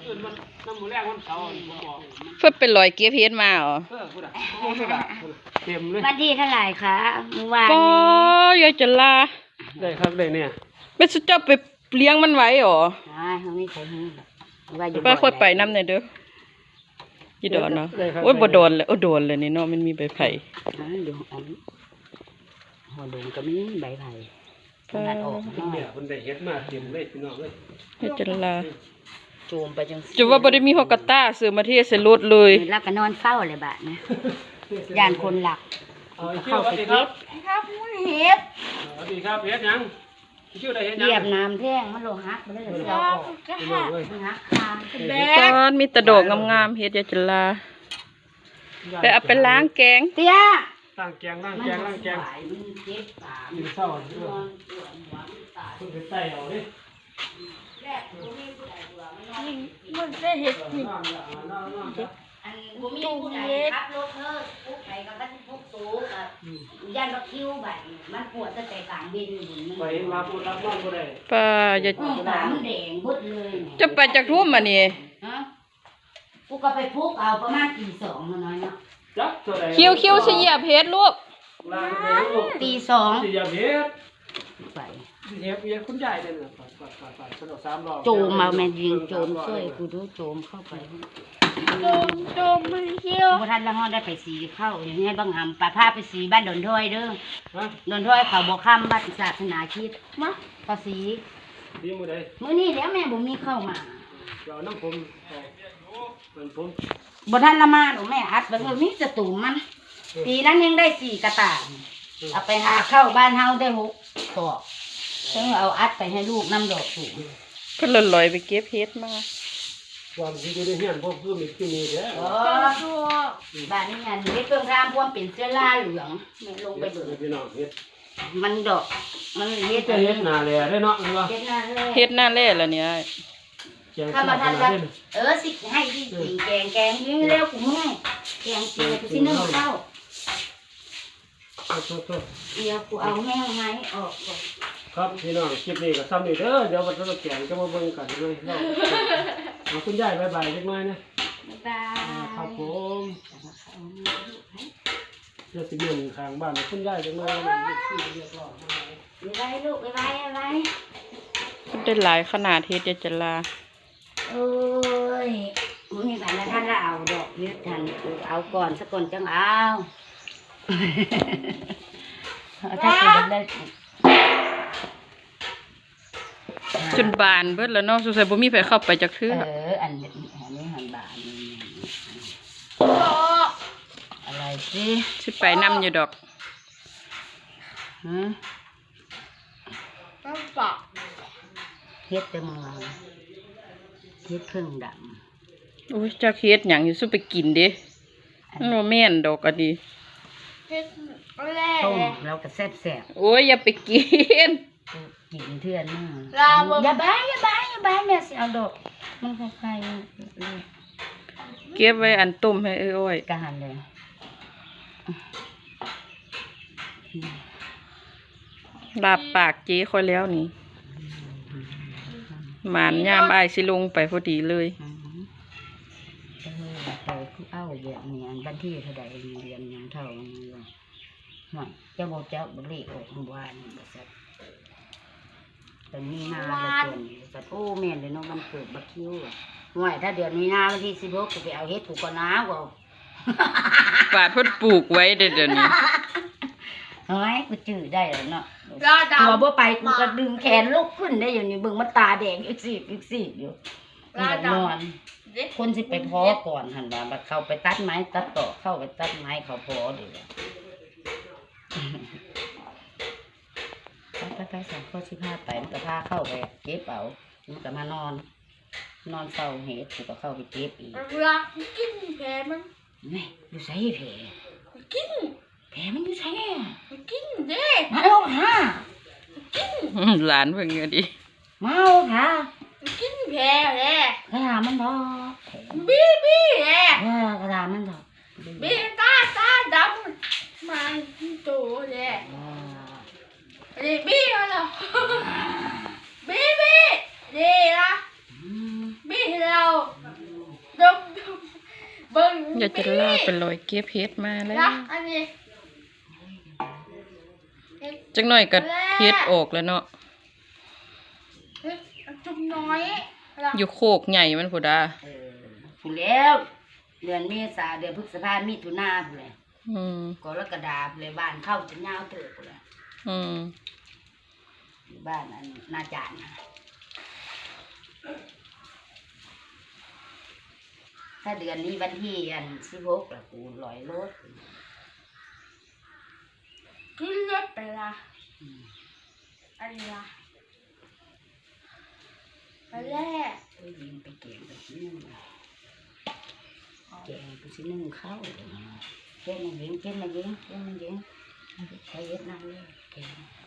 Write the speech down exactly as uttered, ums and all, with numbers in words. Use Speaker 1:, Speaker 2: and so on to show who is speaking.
Speaker 1: อื่นมันน้ำหมูแรกมันเสาผมบอก
Speaker 2: เพิ่นเป็นรอยเก็บเฮ็ดมาเหรอ
Speaker 1: เออพูดอ่ะพูดอ่ะเต็มเลย
Speaker 3: วันที่เท่าไหร่คะเมื่อวาน
Speaker 2: ปอยายจะลา
Speaker 1: ได้ครับได้เนี่ย
Speaker 2: เป็นสุดเจ้าไปเลี้ยงมันไว้เหรอ
Speaker 3: ใช่เขาไม่เคยให้ว่าอยู่
Speaker 2: ป้าค่อยไปน้ำหน่อยเด้อยีดอนเนาะโอ้ยบ่โดนเลยโอ้โดนเลยนี่เนาะมันมีใบไผ่
Speaker 3: อ๋อเดี๋ยวอันหัวโดนก็มีใบไผ่ตัดออก
Speaker 1: เนี่ยคนได้เฮ็ดมาเต็มเลยพี่น้องเลย
Speaker 2: ยายจะลา
Speaker 3: โจมไปจัง
Speaker 2: จะว่าบ่ได้มีฮอกกาต้าซื้อมาเทใส่รถเลย
Speaker 3: แล้วก็นอนเฝ้าเลยบาดนะย่านคนหลัก
Speaker 1: เข้าไปเฮ็ด
Speaker 3: ครับเฮ็ด
Speaker 1: สวัสดีครับเฮ็ดยังชื่อได้เฮ็ดยัง
Speaker 3: เหยียบน้ำแท่งมันโลหักไปเลยเสียวออกหักคาง
Speaker 2: ตอนมีตะโดกงามๆเฮ็ดยายจะลาไปเอาไปล้างแกง
Speaker 3: เตี้ย
Speaker 1: ล้างแกงล้างแกงล้างแกงมันเศร้าคุณไปใส่เอาดิ
Speaker 3: มันได้เห็ดนี่อันบุมีผู้ใดขับรถเธอผู้ใดกับท่านผู้สูงกับย่านรถคิวแบบมันปวดตั้งแต่กลางเย็นอยู่
Speaker 1: ไปมาพูดรับน้องบ่ได้
Speaker 2: ป้าจะ
Speaker 3: ขามันแดงบุดเลย
Speaker 2: จะไปจากทุ่มมานี่
Speaker 3: ฮะกูก็ไปพุกเอาประมาณตีสองน้อยเนาะ
Speaker 2: คิวคิวสิเหยียบเฮ็ดลูก
Speaker 3: ตีสอง
Speaker 1: สิเหยียบเฮ็ด
Speaker 3: ไป
Speaker 1: เหยียบเหยียบคุณยายเด้อไปไปไปไปสนุกสามรอบ
Speaker 3: โจมมาแม่ยิงโจมช่วยกูดูโจมเข้าไป
Speaker 2: โจมโจมมันเขี้ยว
Speaker 3: พอท่านละห้องได้ไปสีเข้าอย่างนี้ให้บางหำปลาผ้าไปสีบ้านดอนถ้วยเด้อดอนถ้วยเขาบอกข้ามบ้านศาสนาคิดมั้งภาษี
Speaker 1: ดีมือใด
Speaker 3: มื้อนี้แล้วแม่บุมีเข้ามา
Speaker 1: เดี๋ยวน้ำผมเป็นผม
Speaker 3: บ่ท่านละมาหนูแม่อัดไปเออมีจะตุ่มมันปีนั้นยังได้สี่กระต่ายเอาไปหาเข้าบ้านเฮาได้หกตัวซึ่งเอาอัดไปให้ลูกน้ำดอกสูง
Speaker 2: เพิ่นลอยไปเก็บเฮ็ดมา
Speaker 1: ความที่ได้เฮียนพวกคือมีที่มีเด้อ
Speaker 3: บ้านนี้อันนี้เครื่องทำพวกเป็นเสื้อลาเหลืองไม่ลงไปเบิด
Speaker 1: พี่น้องเฮ็ด
Speaker 3: มันดอกมันเฮ็ด
Speaker 1: เฮ็ดหน้าแลได้เนาะ
Speaker 3: เฮ็ดหน้าแล
Speaker 2: เฮ็ดหน้าแลแล้วเนี่ย
Speaker 3: ถ้ามาทำแบบเออสิให้ที่สิแกงแกงนี่เร็วกูง่ายแกงเจียวสินึ่งข้าวเดี๋ยวกูเอาแห้งไม้ออกก่อน
Speaker 1: ครับพี่น้องคลิปนี้ก็ซ้ำนี่เด้อเดี๋ยววันเราแกงจะมาเบิ่งกันเลยเนาะเอาคุณยายบายบายเล็กน้อยนะ
Speaker 3: บ๊ายบาย
Speaker 1: ครับผมเดี๋ยวสิเดินทางบ้านคุณยายจังเลยเรียบร้อย
Speaker 3: บ๊ายบายลูกบ๊ายบายบ๊ายบาย
Speaker 2: มันได้หลายขนาดเฮ็ดยายจะลา
Speaker 3: โอ้ยมึงมีแบบนั้นท่านละเอาดอกยึดทันเอาก่อนสักก่อนจังเอาถ้าคุณได้
Speaker 2: จนบานเบิดแล้วเนาะสงสัยบ่มีไผเข้าไปจักเทื่อ
Speaker 3: เอออันนี้อันนี้หันบานอะไรสิ
Speaker 2: สิไปนำอยู่ดอก
Speaker 3: ฮะ
Speaker 2: ต้องปอก
Speaker 3: เฮ็ดจะมาเฮ็ดเครื่องด
Speaker 2: ำโอ้ยจักเฮ็ดหยังอยู่ซุไปกินเด้มันบ่แม่นดอกอะดี
Speaker 3: เฮ็ดต้มแล้วก็แซ่บ
Speaker 2: ๆโอ้ยอย่าไปกิน
Speaker 3: กินเทื่อนนึงอย่าบ้าอย่าบ้าอย่าบ้าแม่สิเอาดอกมันคล้าย
Speaker 2: ๆเก็บไว้อันต้มให้เอ้อย
Speaker 3: กะหันเลย
Speaker 2: ลาบปากเจ๊ค่อยแล้วนี่หมานยามอายสิลงไปพอดีเลย
Speaker 3: เออไปคือเอ้าแบบนี้อันบันที่เท่าใดเรียนยังเท่านี้ว่าเจ้าบ่เจ้าบ่เลขออกบ่ว่านี่บ่ซัดแต่มีนาเลยคนโอ้แม่นเลยเนาะมันเกิดบักคิวห่วยถ้าเดือนมีนาวันที่สิบหกกูไปเอาเฮ็ดกูก็น้ากู
Speaker 2: ปาดเพิ่นปลูกไว้เดี๋ยวนี้
Speaker 3: เฮ้ยกูจื้อได้แล้วเนาะตัวบ่ไปกูก็ดึงแขนลุกขึ้นได้อยู่นี่เบิ่งมันตาแดงอีกสิอีกสิอยู่นอนคนสิไปพอก่อนหั่นว่าบัดเข้าไปตัดไม้ตัดต่อเข้าไปตัดไม้เขาพอเด้อไปไปสองข้อสิบห้าไปมันก็พาเข้าไปเก็บเอามันก็มานอนนอนเฝ้าเห็ดกูก็เข้าไปเก็บอีก
Speaker 4: รักกินแผลมัน
Speaker 3: นี่อยู่ใส่แผล
Speaker 4: กิน
Speaker 3: แผลมันอยู่ใส่
Speaker 4: กินเด้
Speaker 3: มาเอาค่ะ
Speaker 4: กิน
Speaker 2: หลานเพิ่งเงี้ยดิ
Speaker 3: มาเอาค่ะ
Speaker 4: กินแผลแหละ
Speaker 3: กระดามันดอก
Speaker 4: บี้บี้แหละ
Speaker 3: เออกระดามันดอก
Speaker 4: บี้ตาตาดำมันโตแหละนี่บี้เหรอบี้บี้นี่ละบี้เรา
Speaker 2: อย่าจะลาเป็นรอยเก็บเฮ็ดมาแล้ว
Speaker 4: นะอันนี้
Speaker 2: จังหน่อยก็เฮ็ดออกแล้วเนาะ
Speaker 4: เฮ้ยจุ่มน้อย
Speaker 2: อยู่โคกใหญ่มันพุ่นดา
Speaker 3: เออผู้แล้วเดือนเมษาเดือนพฤษภามิถุนาผู้นแหละ
Speaker 2: อืม
Speaker 3: กรกฎาผู้นแหละบ้านเข้าจะยาวเติบผู้นแหละ
Speaker 2: อืม
Speaker 3: บ้านอันนาจานนะถ้าเดือนนี้วันที่อันสิบหกละกูลอยรถ
Speaker 4: ขึ้นเล็บไปละ
Speaker 3: อืม
Speaker 4: อันนี้ละไปแรก
Speaker 3: เอ้ยยิงไปเก่งไปชิ้นนึงเก่งไปชิ้นนึงเข้าเก่งมายิงเก่งมายิงเก่งมายิงใช้เย็ดนั่งเลยเก่ง